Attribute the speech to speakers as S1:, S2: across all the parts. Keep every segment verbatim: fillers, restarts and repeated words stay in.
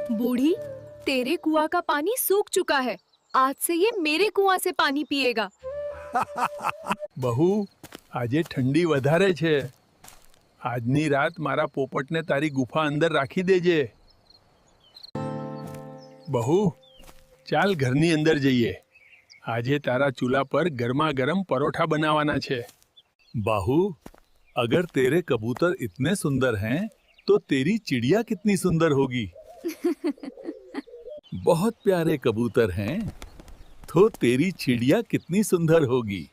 S1: बूढ़ी, तेरे कुआं का पानी सूख चुका है। आज से ये मेरे कुआं से पानी पिएगा।
S2: બહુ આજે ઠંડી વધારે છે. આજની રાત મારા પોપટને તારી ગુફા અંદર રાખી દેજે. બહુ ચાલ ઘરની અંદર જઈએ. આજે તારા ચૂલા પર ગરમા ગરમ પરોઠા બનાવવાના છે.
S3: बाहू, अगर तेरे कबूतर इतने सुंदर हैं तो तेरी चिड़िया कितनी सुंदर होगी. बहुत प्यारे कबूतर हैं तो तेरी चिड़िया कितनी सुंदर होगी.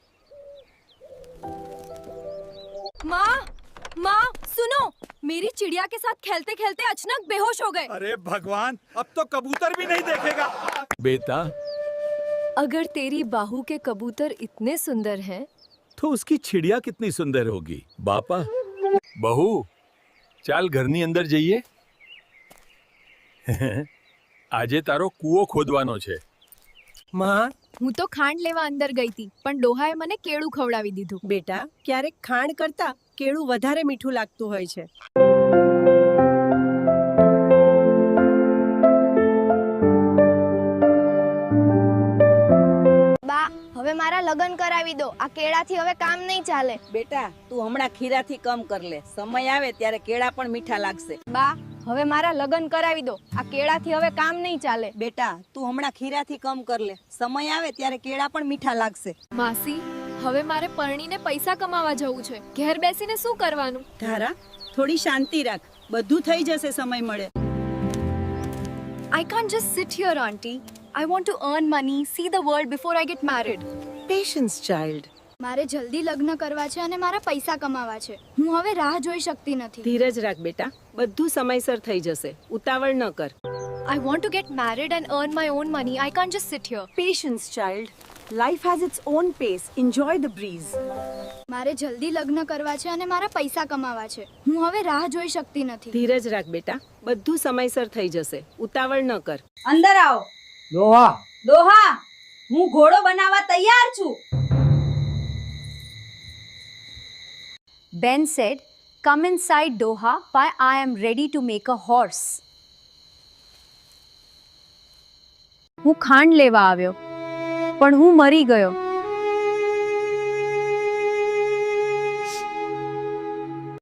S1: माँ, माँ, सुनो, मेरी चिड़िया के साथ खेलते खेलते अचानक बेहोश हो गए।
S4: अरे भगवान, अब तो कबूतर भी नहीं देखेगा।
S3: बेटा,
S1: अगर तेरी बाहू के कबूतर इतने सुंदर हैं,
S3: तो उसकी चिड़िया कितनी सुंदर होगी. बापा,
S2: બહુ ચાલ ઘરની અંદર જઈએ. આજે તારો કૂવો ખોદવાનો છે.
S5: માં,
S1: હું તો ખાંડ લેવા અંદર ગઈ હતી, પણ ડોહાએ મને કેળું ખવડાવી દીધું.
S5: બેટા, ક્યારેક ખાંડ કરતા કેળું વધારે મીઠું લાગતું હોય છે.
S6: બા, હવે મારા લગ્ન કરાવી દો. આ કેળાથી હવે કામ નહીં ચાલે.
S7: બેટા, તું હમણાં ખીરાથી કમ કર લે. સમય આવે ત્યારે કેળા પણ મીઠા લાગશે.
S6: બા, હવે મારા લગ્ન કરાવી દો. આ કેળાથી હવે કામ નહીં ચાલે.
S7: બેટા, તું હમણાં ખીરાથી કમ કર લે. સમય આવે ત્યારે કેળા પણ મીઠા લાગશે.
S1: માસી, હવે મારે પરણીને પૈસા કમાવા જવું છે. ઘેર બેસીને શું કરવાનું?
S5: ધારા, થોડી શાંતિ રાખ. બધું થઈ જશે સમય મળે.
S1: I can't just sit here, auntie. I want to earn money, see the world before I get married.
S5: Patience child.
S6: મારે જલ્દી લગ્ન કરવા છે અને મારા પૈસા કમાવા છે. હું હવે રાહ જોઈ શકતી નથી.
S5: ધીરજ રાખ બેટા, બધું સમયસર થઈ જશે. ઉતાવળ ન કર.
S1: I want to get married and earn my own money. I can't just sit here.
S5: Patience child. Life has its own pace. Enjoy the breeze.
S6: મારે જલ્દી લગ્ન કરવા છે અને મારા પૈસા કમાવા છે. હું હવે રાહ જોઈ શકતી નથી.
S5: ધીરજ રાખ બેટા, બધું સમયસર થઈ જશે. ઉતાવળ ન કર.
S7: અંદર આવો.
S8: દોહા,
S7: દોહા, હું ઘોડો બનાવવા તૈયાર છું.
S9: Ben said, "Come inside, Doha, for I am ready to make a horse." હું ખાંડ લેવા આવ્યો, પણ હું મરી ગયો.